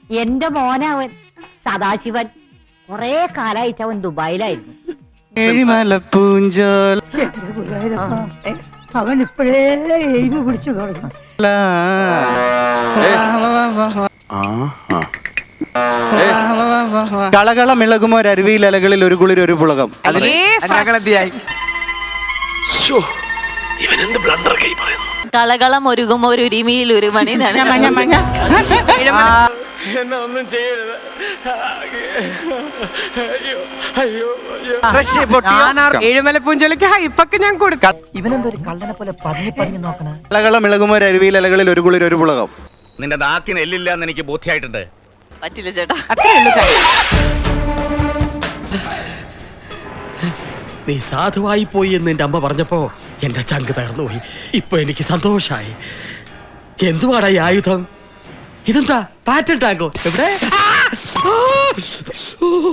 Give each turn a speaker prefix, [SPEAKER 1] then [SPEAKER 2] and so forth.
[SPEAKER 1] എന്റെ മോനവൻ സദാശിവൻ. കൊറേ കാലായിട്ട് അവൻ ദുബായിലായിരുന്നു.
[SPEAKER 2] ഏഴിമലപ്പൂഞ്ചോല
[SPEAKER 3] അവൻ ഇപ്പോഴേ എഴുതി പിടിച്ചു തുടങ്ങി.
[SPEAKER 2] കളകളമിളകുമൊരരുവിയിലകളിൽ ഒരു കുളിർ ഒരു പുളകം.
[SPEAKER 4] കളകളം ഒരുകുമോ ഒരു ഉരിമിയിൽ ഒരു മണി.
[SPEAKER 5] എന്നെ ഒന്നും ചെയ്യരുത്.
[SPEAKER 6] ഏഴുമലപ്പൂഞ്ചോലക്ക് ഹൈപ്പൊക്കെ ഞാൻ കൊടുക്കാം.
[SPEAKER 3] ഇവനെന്തൊരു കള്ളനെ പോലെ പതിഞ്ഞു പതിഞ്ഞു നോക്കണ.
[SPEAKER 2] കളകളമിളകുമൊരരുവിയിലകളിൽ ഒരു കുളിർ ഒരു പുളകം.
[SPEAKER 5] നിന്റെ നാക്കിന് എല്ലില്ല എന്ന് എനിക്ക് ബോധ്യമായിട്ടുണ്ട്.
[SPEAKER 4] പറ്റില്ല ചേട്ടാ.
[SPEAKER 6] അത്രേ ഉള്ളൂ കാര്യം.
[SPEAKER 7] നീ സാധുവായി പോയി എന്ന് എന്റെ അമ്മ പറഞ്ഞപ്പോ എന്റെ ചങ്ക് തകർന്നു പോയി. ഇപ്പൊ എനിക്ക് സന്തോഷായി. എന്തുവാടാ ഈ ആയുധം? ഇതെന്താ പാറ്റൻ ടാങ്കോ? എവിടെ?